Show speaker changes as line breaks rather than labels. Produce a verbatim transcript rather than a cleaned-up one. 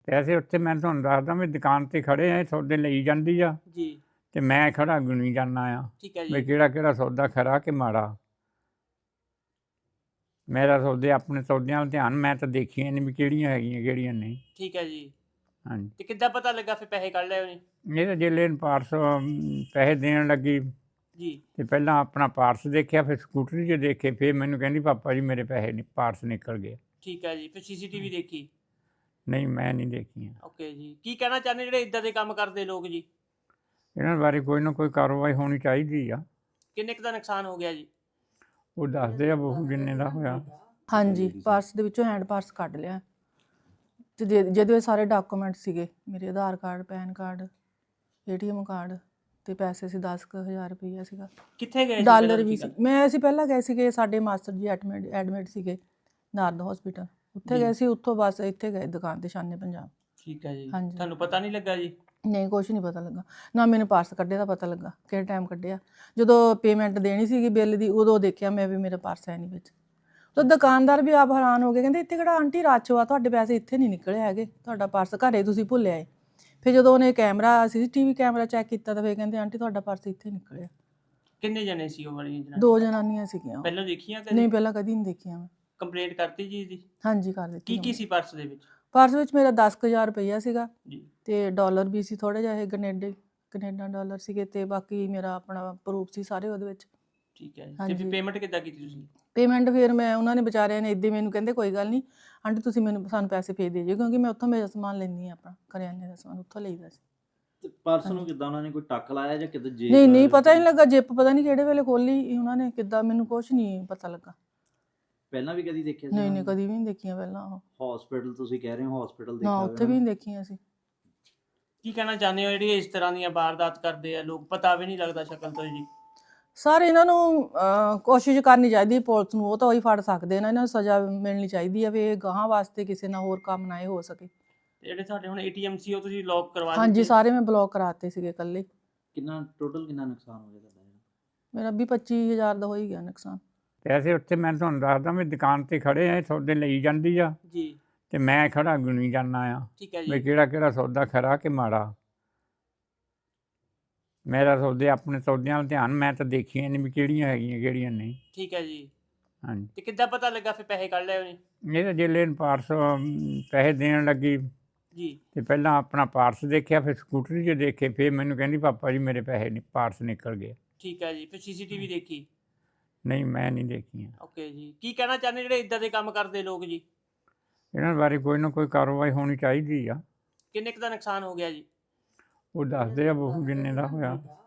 ਪੈਸੇ ਉੱਥੇ ਮੈਂ ਤੁਹਾਨੂੰ ਦੱਸਦਾ ਵੀ ਦੁਕਾਨ ਤੇ ਖੜੇ ਆ, ਸੌਦੇ ਲਈ ਜਾਂਦੀ ਆ
ਜੀ
ਤੇ ਮੈਂ ਖੜਾ ਗੁਣੀ ਜਾਂਦਾ ਆ
ਠੀਕ ਹੈ
ਵੀ
ਜੀ
ਕਿਹੜਾ ਕਿਹੜਾ ਸੌਦਾ ਖਰਾ ਕਿ ਮਾੜਾ। ਮੇਰਾ ਸੌਦੇ ਆਪਣੇ ਸੌਦਿਆਂ ਵੱਲ ਧਿਆਨ, ਮੈਂ ਤਾਂ ਦੇਖੀਆਂ ਨਹੀਂ ਵੀ ਕਿਹੜੀਆਂ ਹੈਗੀਆਂ ਕਿਹੜੀਆਂ ਨਹੀਂ।
ਠੀਕ ਹੈ ਜੀ।
ਹਾਂਜੀ,
ਤੇ ਕਿੱਦਾਂ ਪਤਾ ਲੱਗਾ ਫਿਰ ਪੈਸੇ ਕੱਢ ਲਏ ਉਹਨੇ?
ਇਹ ਤਾਂ ਜੇ ਲੈਣ ਪਾਰਸ ਪੈਸੇ ਦੇਣ ਲੱਗੀ
ਜੀ
ਤੇ ਪਹਿਲਾਂ ਆਪਣਾ ਪਾਰਸ ਦੇਖਿਆ, ਫਿਰ ਸਕੂਟਰੀ 'ਚ ਦੇਖੇ, ਫਿਰ ਮੈਨੂੰ ਕਹਿੰਦੀ ਪਾਪਾ ਜੀ ਮੇਰੇ ਪੈਸੇ ਨਹੀਂ ਪਾਰਸ ਨਿਕਲ ਗਏ।
ਠੀਕ ਹੈ ਜੀ। ਫਿਰ ਸੀਸੀਟੀਵੀ ਦੇਖੀ?
ਨਹੀਂ ਮੈਂ ਨਹੀਂ ਦੇਖੀਆਂ।
ਓਕੇ ਜੀ। ਕੀ ਕਹਿਣਾ ਚਾਹੁੰਦੇ ਜਿਹੜੇ ਇਦਾਂ ਦੇ ਕੰਮ ਕਰਦੇ ਲੋਕ ਜੀ?
ਇਹਨਾਂ ਬਾਰੇ ਕੋਈ ਨਾ ਕੋਈ ਕਾਰਵਾਈ ਹੋਣੀ ਚਾਹੀਦੀ ਆ।
ਕਿੰਨੇ ਕੁ ਦਾ ਨੁਕਸਾਨ ਹੋ ਗਿਆ ਜੀ?
ਉਹ ਦੱਸਦੇ ਆ ਬਹੂ ਜਿੰਨੇ ਦਾ ਹੋਇਆ।
ਹਾਂਜੀ, ਪਰਸ ਦੇ ਵਿੱਚੋਂ ਹੈਂਡ ਪਰਸ ਕੱਢ ਲਿਆ ਤੇ ਜਿਹਦੇ ਜਿਹਦੇ ਵਿੱਚ ਸਾਰੇ ਡਾਕੂਮੈਂਟ ਸੀਗੇ, ਮੇਰੇ Aadhaar card, PAN card, ATM card ਤੇ ਪੈਸੇ ਸੀ ਦਸ ਕੁ ਹਜ਼ਾਰ ਰੁਪਈਆ ਸੀਗਾ।
ਕਿੱਥੇ ਗਏ ਸੀ
ਡਾਲਰ
ਪਹਿਲਾਂ
ਵੀ
ਦੀ
ਸੀ।
ਗੱਲ?
ਮੈਂ ਅਸੀਂ ਪਹਿਲਾਂ ਗਏ ਸੀਗੇ, ਸਾਡੇ ਮਾਸਟਰ ਜੀ ਐਡਮਿਟ ਐਡਮਿਟ ਸੀਗੇ ਨਾਰਦ ਹਸਪੀਟਲ, ਉੱਥੇ
ਜੀ।
ਗਏ ਸੀ। ਉੱਥੋਂ ਬਸ ਇੱਥੇ ਗਏ ਦੁਕਾਨ ਤੇ ਸ਼ਾਨੇ ਪੰਜਾਬ।
ਠੀਕ ਹੈ ਜੀ।
ਹਾਂਜੀ।
ਤੁਹਾਨੂੰ ਪਤਾ ਨਹੀਂ ਲੱਗਾ ਜੀ?
ਨਹੀਂ, ਕੁਛ ਨਹੀਂ ਪਤਾ ਲੱਗਾ, ਨਾ ਮੈਨੂੰ ਪਰਸ ਕੱਢੇ ਦਾ ਪਤਾ ਲੱਗਾ ਕਿਹੜੇ ਟਾਈਮ ਕੱਢਿਆ। ਜਦੋਂ ਪੇਮੈਂਟ ਦੇਣੀ ਸੀਗੀ ਬਿੱਲ ਦੀ, ਉਦੋਂ ਦੇਖਿਆ ਮੈਂ ਵੀ ਮੇਰਾ ਪਰਸ ਹੈ ਨਹੀਂ ਵਿੱਚ। ਤਾਂ ਦੁਕਾਨਦਾਰ ਵੀ ਆਪ ਹੈਰਾਨ ਹੋ ਗਏ, ਕਹਿੰਦੇ ਇੱਥੇ ਕਿਹੜਾ ਆਂਟੀ ਰਸ਼ ਵਾ, ਤੁਹਾਡੇ ਪੈਸੇ ਇੱਥੇ ਨਹੀਂ ਨਿਕਲੇ ਹੈਗੇ, ਤੁਹਾਡਾ ਪਰਸ ਘਰੇ ਤੁਸੀਂ ਭੁੱਲਿਆ ਏ। ਫਿਰ ਜਦੋਂ ਉਹਨੇ ਕੈਮਰਾ ਸੀ ਟੀ ਵੀ ਕੈਮਰਾ ਚੈੱਕ ਕੀਤਾ ਤਾਂ ਫਿਰ ਕਹਿੰਦੇ ਆਂਟੀ ਤੁਹਾਡਾ ਪਰਸ ਇੱਥੇ ਨਿਕਲਿਆ।
ਕਿੰਨੇ ਜਣੇ ਸੀ ਉਹ ਵਾਲੀਆਂ ਜਨਾਨੀਆਂ?
ਦੋ ਜਨਾਨੀਆਂ ਸੀਗੀਆਂ ਉਹ।
ਪਹਿਲਾਂ ਦੇਖੀਆਂ ਕਦੇ?
ਨਹੀਂ, ਪਹਿਲਾਂ ਕਦੀ ਨਹੀਂ ਦੇਖੀਆਂ ਮੈਂ।
ਕੰਪਲੇਂਟ ਕਰਤੀ ਜੀ ਦੀ?
ਹਾਂਜੀ, ਕਰ ਦਿੱਤੀ।
ਕੀ ਕੀ ਸੀ ਪਰਸ ਦੇ ਵਿੱਚ?
ਪਰਸ ਵਿੱਚ ਮੇਰਾ ਦਸ ਕੁ ਹਜ਼ਾਰ ਰੁਪਈਆ ਸੀਗਾ
ਜੀ
ਤੇ ਡਾਲਰ ਵੀ ਸੀ ਥੋੜ੍ਹੇ ਜਿਹੇ, ਕੈਨੇਡਾ ਕੈਨੇਡਾ ਡਾਲਰ ਸੀਗੇ, ਤੇ ਬਾਕੀ ਮੇਰਾ ਆਪਣਾ ਪ੍ਰੂਫ ਸੀ ਸਾਰੇ ਉਹਦੇ ਵਿੱਚ।
ਠੀਕ ਹੈ ਜੀ। ਤੇ
ਹਾਂਜੀ।
ਫਿਰ ਪੇਮੈਂਟ ਕਿੱਦਾਂ ਕੀਤੀ ਤੁਸੀਂ?
ਪੇਮੈਂਟ ਫਿਰ ਮੈਂ ਉਹਨਾਂ ਨੇ ਵਿਚਾਰਿਆਂ ਨੇ ਇੱਦਾਂ ਮੈਨੂੰ ਕਹਿੰਦੇ ਕੋਈ ਗੱਲ ਨਹੀਂ ਆਂਟੀ ਤੁਸੀਂ ਮੈਨੂੰ ਸਾਨੂੰ ਪੈਸੇ ਭੇਜ ਦੇ ਜਿਓ, ਕਿਉਂਕਿ ਮੈਂ ਉੱਥੋਂ ਮੇਰਾ ਸਮਾਨ ਲੈਂਦੀ ਹਾਂ, ਆਪਣਾ ਕਰਿਆਨੇ ਦਾ ਸਮਾਨ ਉੱਥੋਂ ਲਈਦਾ ਸੀ।
ਤੇ ਪਰਸ ਨੂੰ ਕਿੱਦਾਂ ਉਹਨਾਂ ਨੇ ਕੋਈ ਟੱਕ ਲਾਇਆ ਜਾਂ ਕਿਤੇ ਜੇਬ?
ਨਹੀਂ ਨਹੀਂ, ਪਤਾ ਨਹੀਂ ਲੱਗਾ, ਜਿੱਪ ਪਤਾ ਨਹੀਂ ਕਿਹੜੇ ਵੇਲੇ ਖੋਲੀ ਉਹਨਾਂ ਨੇ, ਕਿੱਦਾਂ ਮੈਨੂੰ ਕੁਛ ਨਹੀਂ ਪਤਾ ਲੱਗਾ।
ਪਹਿਲਾਂ ਵੀ ਕਦੀ ਦੇਖਿਆ ਸੀ?
ਨਹੀਂ ਨਹੀਂ, ਕਦੀ ਵੀ ਨਹੀਂ ਦੇਖੀਆਂ ਪਹਿਲਾਂ ਉਹ।
ਹਸਪੀਟਲ ਤੁਸੀਂ ਕਹਿ ਰਹੇ ਹੋ, ਹਸਪੀਟਲ
ਨਾ,
ਦੇਖਿਆ
ਉੱਥੇ ਵੀ ਨਹੀਂ ਦੇਖੀਆਂ ਸੀ।
ਕੀ ਕਹਿਣਾ ਚਾਹੁੰਦੇ ਹੋ ਜਿਹੜੀ ਇਸ ਤਰ੍ਹਾਂ ਦੀਆਂ ਵਾਰਦਾਤ ਕਰਦੇ ਆ ਲੋਕ, ਪਤਾ ਵੀ ਨਹੀਂ ਲੱਗਦਾ ਸ਼ਕਲ ਤੋਂ ਜੀ?
ਸਰ ਇਹਨਾਂ ਨੂੰ ਅਹ, ਕੋਸ਼ਿਸ਼ ਕਰਨੀ ਚਾਹੀਦੀ ਪੁਲਿਸ ਨੂੰ, ਉਹ ਤਾਂ ਉਹੀ ਫੜ ਸਕਦੇ ਨੇ, ਇਹਨਾਂ ਨੂੰ ਸਜ਼ਾ ਮਿਲਣੀ ਚਾਹੀਦੀ ਹੈ ਵੀ ਇਹ ਗਾਹਾਂ ਵਾਸਤੇ ਕਿਸੇ ਨਾਲ ਹੋਰ ਕੰਮ ਨਾ ਇਹ ਹੋ ਸਕੇ।
ਤੇ ਜਿਹੜੇ ਸਾਡੇ ਹੁਣ ਏਟੀਐਮ ਸੀ ਉਹ ਤੁਸੀਂ ਲੌਕ ਕਰਵਾ ਦਿੱਤੇ?
ਹਾਂਜੀ, ਸਾਰੇ ਮੈਂ ਬਲੌਕ ਕਰਾਤੇ ਸੀਗੇ ਇਕੱਲੇ।
ਕਿੰਨਾ ਟੋਟਲ ਕਿੰਨਾ ਨੁਕਸਾਨ ਹੋ ਗਿਆ ਤੁਹਾਡਾ?
ਮੇਰਾ ਵੀਹ ਪੱਚੀ ਹਜ਼ਾਰ ਦਾ ਹੋ ਹੀ ਗਿਆ ਨੁਕਸਾਨ।
ਪੈਸੇ ਉੱਥੇ ਮੈਂ ਤੁਹਾਨੂੰ ਦੱਸਦਾ ਵੀ ਦੁਕਾਨ ਤੇ ਖੜੇ ਆ, ਸੌਦੇ ਲਈ ਜਾਂਦੀ ਆ
ਜੀ
ਤੇ ਮੈਂ ਖੜਾ ਗੁਣੀ ਜਾਂਦਾ ਆ
ਠੀਕ ਹੈ
ਵੀ
ਜੀ।
ਕਿਹੜਾ ਕਿਹੜਾ ਸੌਦਾ ਖਰਾ ਕਿ ਮਾੜਾ। ਮੇਰਾ ਸੌਦੇ ਆਪਣੇ ਸੌਦਿਆਂ ਵੱਲ ਧਿਆਨ, ਮੈਂ ਤਾਂ ਦੇਖੀਆਂ ਨਹੀਂ ਵੀ ਕਿਹੜੀਆਂ ਹੈਗੀਆਂ ਕਿਹੜੀਆਂ ਨਹੀਂ।
ਠੀਕ ਹੈ ਜੀ।
ਹਾਂਜੀ,
ਤੇ ਕਿੱਦਾਂ ਪਤਾ ਲੱਗਾ ਫਿਰ ਪੈਸੇ ਕੱਢ ਲਏ ਉਹਨੇ?
ਇਹ ਤਾਂ ਜੇ ਲੈਣ ਪਾਰਸ ਪੈਸੇ ਦੇਣ ਲੱਗੀ
ਜੀ
ਤੇ ਪਹਿਲਾਂ ਆਪਣਾ ਪਾਰਸ ਦੇਖਿਆ, ਫਿਰ ਸਕੂਟਰੀ 'ਚ ਦੇਖੇ, ਫਿਰ ਮੈਨੂੰ ਕਹਿੰਦੀ ਪਾਪਾ ਜੀ ਮੇਰੇ ਪੈਸੇ ਨਹੀਂ ਪਾਰਸ ਨਿਕਲ ਗਏ।
ਠੀਕ ਹੈ ਜੀ। ਫਿਰ ਸੀਸੀਟੀਵੀ ਦੇਖੀ?
ਨਹੀਂ ਮੈਂ ਨਹੀਂ ਦੇਖੀਆਂ।
ਓਕੇ ਜੀ। ਕੀ ਕਹਿਣਾ ਚਾਹੁੰਦੇ ਜਿਹੜੇ ਇਦਾਂ ਦੇ ਕੰਮ ਕਰਦੇ ਲੋਕ ਜੀ?
ਇਹਨਾਂ ਬਾਰੇ ਕੋਈ ਨਾ ਕੋਈ ਕਾਰਵਾਈ ਹੋਣੀ ਚਾਹੀਦੀ ਆ।
ਕਿੰਨੇ ਕੁ ਦਾ ਨੁਕਸਾਨ ਹੋ ਗਿਆ ਜੀ?
ਉਹ ਦੱਸਦੇ ਆ ਬਹੂ ਜਿੰਨੇ ਦਾ ਹੋਇਆ।